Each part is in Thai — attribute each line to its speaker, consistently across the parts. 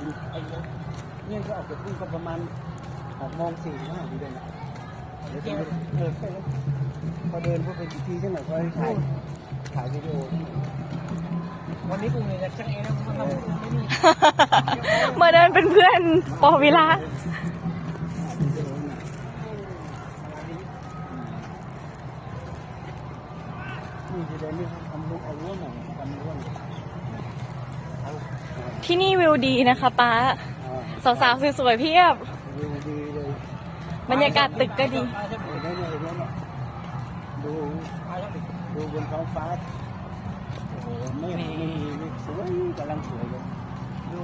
Speaker 1: เนี่ยก็ออกจากพุ่งก็ประมาณ6:45ทีเดียวนะเดี๋ยวพอเดินพวกไปทีใช่ไหมพอถ่ายวิดีโอวันนี้กูเนี่ยจะช่างเองนะเพราะเราไม่มี
Speaker 2: มาเดินเป็นเพื่อนปอวิระ
Speaker 1: นี่จะเดินนี่ทำรูปเอาร่วงหน่อยทำร่วง
Speaker 2: ที่นี่วิวดีนะคะป้าสาวๆสวยๆเพียบ
Speaker 1: วิวดีเลย
Speaker 2: บรรยากาศตึกก็ดี
Speaker 1: ดูบนท้องฟ้าโอ้โหไม่สวยกำลังสวยเลยดู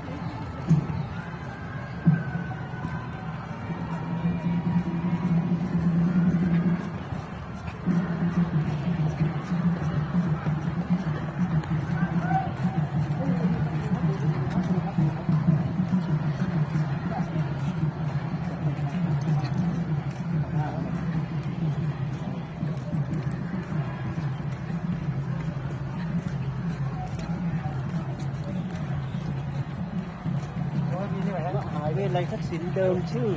Speaker 1: มหาวิทยาลัยทักษิณเดิมชื่อ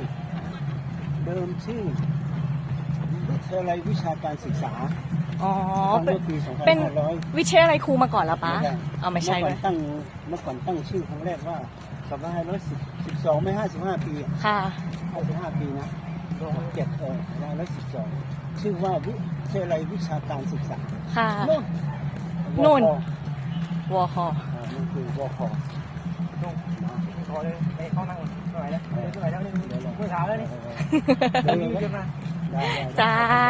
Speaker 1: วิทยาลัยวิชาการศึกษา
Speaker 2: อ๋อ
Speaker 1: เมื่อปี
Speaker 2: เป็น
Speaker 1: 2500
Speaker 2: วิทยาลัยครูมาก่อนแล้วป้าเอาไม่ใช่
Speaker 1: เมื่
Speaker 2: เล
Speaker 1: อย ก่อนตั้งชื่อครั้งแรกว่า2512ไม่55 ปี
Speaker 2: ค่ะ
Speaker 1: 55 ปีนะ2512ชื่อว่าวิทยาลัยวิชาการศึกษา
Speaker 2: ค่ะ
Speaker 1: นู่น
Speaker 2: วอคอ
Speaker 1: นั่นคือวคนู่นพอเลยไปเข้านั่งหน่อยนะหน่อยแล้วนี่เมื่อเช้าแล้วนี่เดินขึ้นมา
Speaker 2: ใช่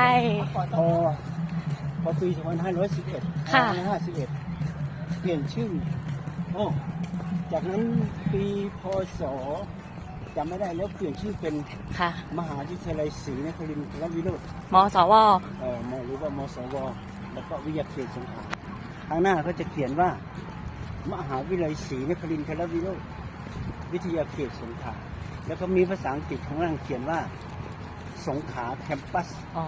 Speaker 1: พอปี2511
Speaker 2: ค่ะ
Speaker 1: 551เปลี่ยนชื่อโอ้จากนั้นปีพศจำไม่ได้แล้วเปลี่ยนชื่อเป็น
Speaker 2: ค่ะ
Speaker 1: มหาวิทยาลัยศรีนครินทรวิโรจน์
Speaker 2: มสว
Speaker 1: หรือว่ามสวแล้วก็วิทยาเขตสงขลาข้างหน้าก็จะเขียนว่ามหาวิทยาลัยศรีนครินทรวิโรจน์วิทยาเขตสงขลาแล้วก็มีภาษาอังกฤษข้างล่างเขียนว่าสงขลาแคมปัส
Speaker 2: อ๋อ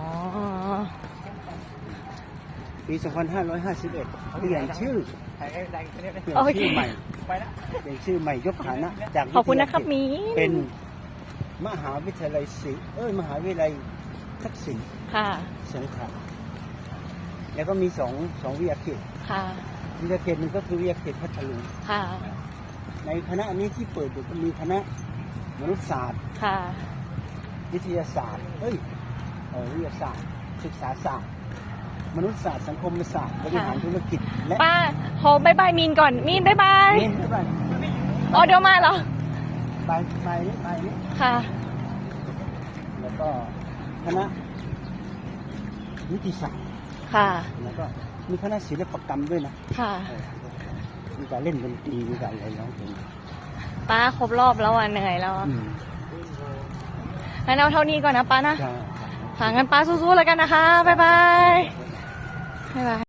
Speaker 1: ปี2551เปลี่ยนชื่อใหม่เปลี่ยนชื่อใหม่ยกฐานะจาก
Speaker 2: ขอบคุณนะครับมี
Speaker 1: เป็นมหาวิทยาลัยมหาวิทยาลัยทักษิณ
Speaker 2: ค่ะ
Speaker 1: สงขลาแล้วก็มีสองวิทยาเขต
Speaker 2: ค่ะ
Speaker 1: วิทยาเขตหนึ่งก็คือวิทยาเขตพัทลุง
Speaker 2: ค่ะ
Speaker 1: ในคณะนี้ที่เปิดอยู่ก็มีคณะมนุษยศาสตร์
Speaker 2: ค่ะ
Speaker 1: วิทยาศาสตร์วิทยาศาสตร์ศึกษาศาสตร์มนุษยศาสตร์สังคมศาสตร์บริหารธุรกิจและ
Speaker 2: ป้าขอบายบายมีนก่อนมีนบายบาย
Speaker 1: นี่ไม่ไป
Speaker 2: อ๋อเดี๋ยวมาเหรอ
Speaker 1: ไปนี่
Speaker 2: ค่ะ
Speaker 1: แล้วก็คณะนิติศาสตร์
Speaker 2: ค่ะ
Speaker 1: แล้วก็มีคณะศิลปกรรมด้วยนะ
Speaker 2: ค่ะ
Speaker 1: มีการเล่นดนตรีมีการอะไรร้องเพลง
Speaker 2: ป้าครบรอบแล้วอ่ะเหนื่อยแล้วอ่ะ
Speaker 1: อืม
Speaker 2: งั้นเอาเท่านี้ก่อนนะป้านะ
Speaker 1: ใช่
Speaker 2: ค่ะงั้นป้าสู้ๆแล้วกันนะคะ บ๊ายบาย บ๊ายบาย